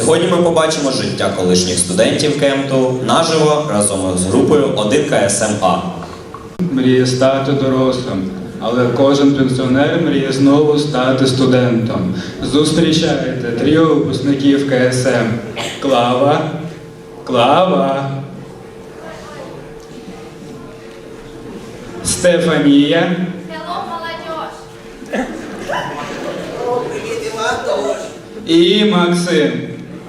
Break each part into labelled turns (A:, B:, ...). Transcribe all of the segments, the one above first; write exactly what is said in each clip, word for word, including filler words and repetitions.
A: Сьогодні ми побачимо життя колишніх студентів кемпу наживо разом з групою один ка ес ем а.
B: Мріє стати дорослим, але кожен пенсіонер мріє знову стати студентом. Зустрічайте тріо випускників ка ес ем. Клава, Клава, Стефанія
C: Hello, молодежь!
D: Привіт, Іван,
B: і Максим.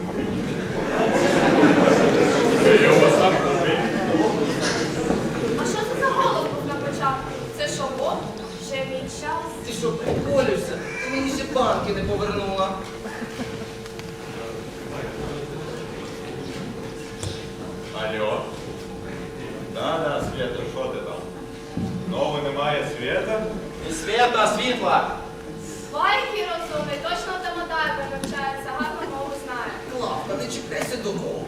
C: А що це за голос був на початку? Це що, бот? Ще мій час?
D: ти що, приколюєшся? Ти мені ще банки не повернула.
E: Алло. Да-да, Света, що ти там? Знову немає Света?
D: Не свята, а світла.
C: Лайки розумний, точно в Домодайбі навчається, гарно мову знає.
D: Клавка, не чекайся додому.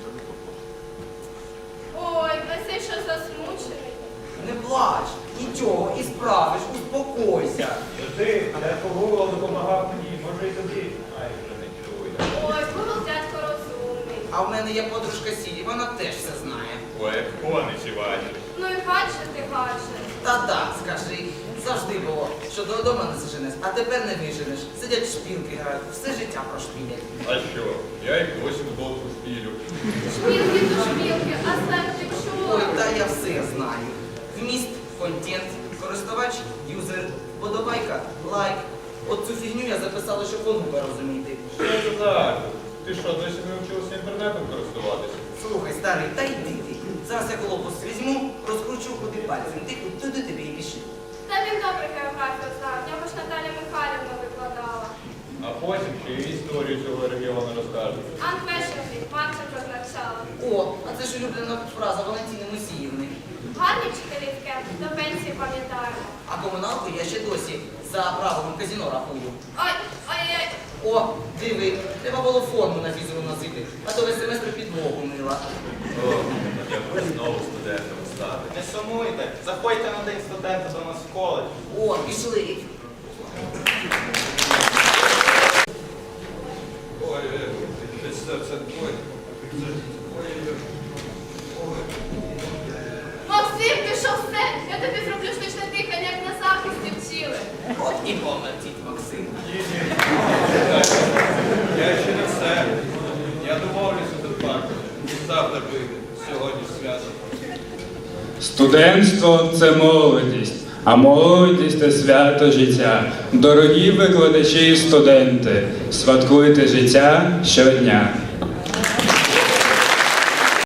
C: Ой, Василь, що засмучений.
D: Не плач, нічого, і справиш, успокойся.
E: Ти, я погуглав, допомагав мені, може і тобі. Ай, вже не керуй.
C: Ой, Google дядько розумний.
D: А в мене є подружка Сірі, вона теж все знає.
E: Ой, коничі бачиш.
C: Ну і гадже ти гадже.
D: Та-да, скажи, завжди було, що додому не заженеш, а тепер не виженеш. Сидять в шпілки грають, все життя прошпілять.
E: А що? Я й досі футболку шпілю.
C: Шпілки то шпілки, а сленг ти
D: Ой,
C: чула?
D: та я все знаю. Вміст, контент, користувач, юзер, подобайка, лайк. От цю фігню я записала, щоб онука розуміти.
E: Що це так? Ти що, досі не вчилася інтернетом користуватися?
D: Слухай, старий, та йди ти. Зараз я глобус візьму, розкручу куди пальцем. Ти туди тобі і пішли.
C: Та він добре географію знав, в нього ж Наталя Михайлівна викладала.
E: А потім ще й історію цього регіону розкажеш.
C: Анквешенки, Марча прозначала.
D: О, а це ж улюблена фраза Валентини Мусіївни.
C: Гарні вчителі в кемп, до пенсії пам'ятаємо.
D: А комуналку я ще досі за правилом казино рахую.
C: Ой, ой-ой,
D: О, диви, треба було форму на фізру носити, а то весь семестр підлогу мила.
E: О, я буду знову студентом стати.
F: Не сумуйте, заходьте на день студента до нас в коледж.
D: О, пішли.
E: Ой, це, це, це, ой, це, ой, ой.
C: Максим, ти що все? Я тобі зроблю штучне дихання, як на захисті вчили.
D: От і помер дід Максим.
E: Ні, ні. Я ще не все. Я домовлюся до парку. Завтра вийде. Сьогодні свято.
B: Студентство – це молодість, а молодість – це свято життя. Дорогі викладачі і студенти, святкуйте життя щодня.